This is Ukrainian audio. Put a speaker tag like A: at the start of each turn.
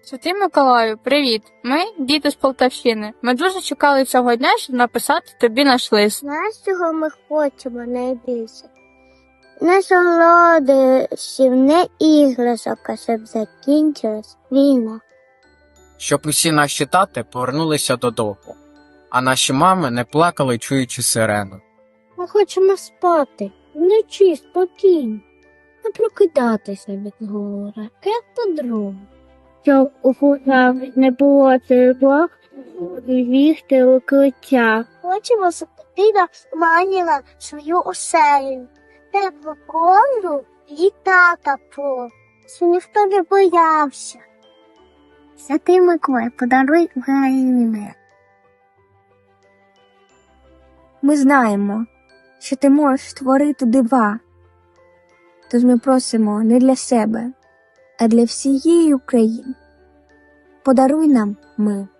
A: Святий Миколаю, привіт! Ми діти з Полтавщини. Ми дуже чекали цього дня, щоб написати тобі наш лист.
B: Знаєш, чого ми хочемо найбільше? Не солодощів, не іграшок, а щоб закінчилась війна.
C: Щоб усі наші тати повернулися додому, а наші мами не плакали, чуючи сирену.
B: Ми хочемо спати, вночі спокійно, не прокидатися від гора, як по-другому. Щоб у кухнях не було тривог і бігти у укриття. Хочемо, щоб дитина маніла свою оселю, теплу ковдру і тата по, щоб ніхто не боявся. Святий Миколай, подаруй Україні мир.
D: Ми знаємо, що ти можеш створити дива. Тож ми просимо не для себе, а для всієї України. Подаруй нам мир.